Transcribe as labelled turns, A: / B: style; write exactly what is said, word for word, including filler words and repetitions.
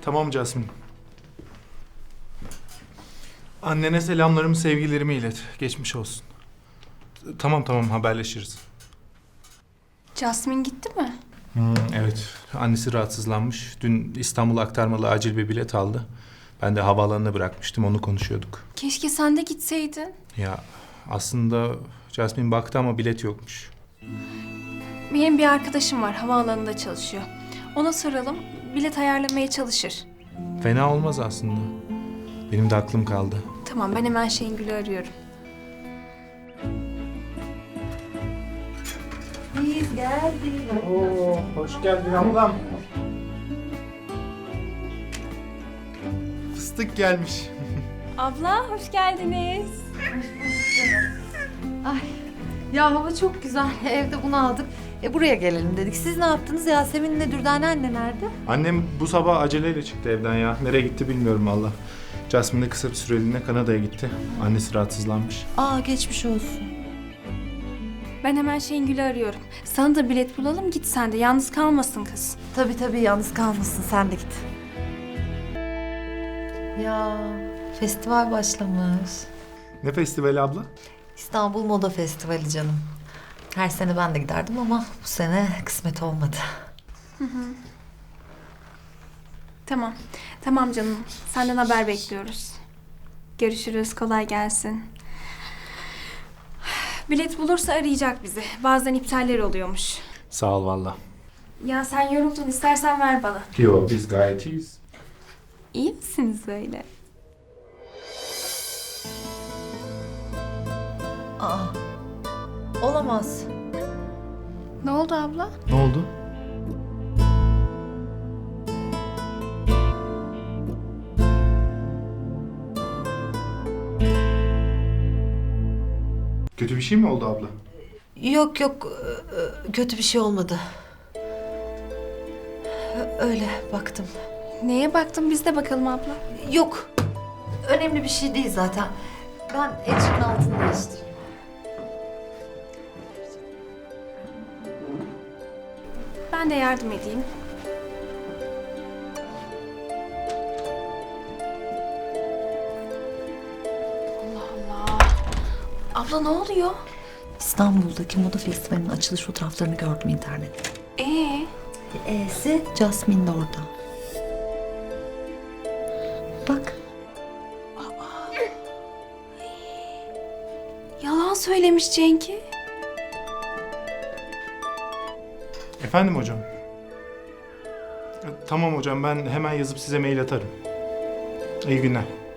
A: Tamam Jasmine. Annene selamlarımı, sevgilerimi ilet. Geçmiş olsun. Tamam tamam haberleşiriz.
B: Jasmine gitti mi?
A: Hmm, evet. Annesi rahatsızlanmış. Dün İstanbul aktarmalı acil bir bilet aldı. Ben de havaalanına bırakmıştım. Onu konuşuyorduk.
B: Keşke sen de gitseydin.
A: Ya aslında Jasmine baktı ama bilet yokmuş.
B: Benim bir arkadaşım var, havaalanında çalışıyor. Ona soralım, bilet ayarlamaya çalışır.
A: Fena olmaz aslında. Benim de aklım kaldı.
B: Tamam, ben hemen Şengül'ü arıyorum.
C: Biz geldik.
A: Oo, hoş geldin ablam. Fıstık gelmiş.
B: Abla, hoş geldiniz.
C: Ay ya hava çok güzel. Evde bunu aldık. E buraya gelelim dedik. Siz ne yaptınız? Yasemin'le Dürdane anne nerede?
A: Annem bu sabah aceleyle çıktı evden ya. Nereye gitti bilmiyorum valla. Jasmine de kısa bir süreliğine Kanada'ya gitti. Annesi rahatsızlanmış.
C: Aa geçmiş olsun.
B: Ben hemen Şengül'ü arıyorum. Sana da bilet bulalım, git sen de. Yalnız kalmasın kız.
C: Tabii tabii yalnız kalmasın. Sen de git. Ya festival başlamış.
A: Ne festivali abla?
C: İstanbul Moda Festivali canım. Her sene ben de giderdim ama bu sene kısmet olmadı.
B: Tamam, tamam canım. Senden haber bekliyoruz. Görüşürüz, kolay gelsin. Bilet bulursa arayacak bizi. Bazen iptaller oluyormuş.
A: Sağ ol valla.
B: Ya sen yoruldun, istersen ver bana.
A: Yo biz gayet iyiyiz.
B: İyi misiniz öyle?
C: Aa olamaz.
B: Ne oldu abla?
A: Ne oldu? Kötü bir şey mi oldu abla?
C: Yok yok e, kötü bir şey olmadı. Öyle baktım.
B: Neye baktın? Biz de bakalım abla.
C: Yok. Önemli bir şey değil zaten. Ben Ecrin altını değiştireyim.
B: Ben de yardım edeyim. Allah Allah. Abla ne oluyor?
C: İstanbul'daki moda festivalinin açılış fotoğraflarını gördüm internette.
B: Ee,
C: E'si Jasmine de orada. Bak.
B: yalan söylemiş Cenk'i.
A: Efendim hocam? E, Tamam hocam ben hemen yazıp size mail atarım. İyi günler.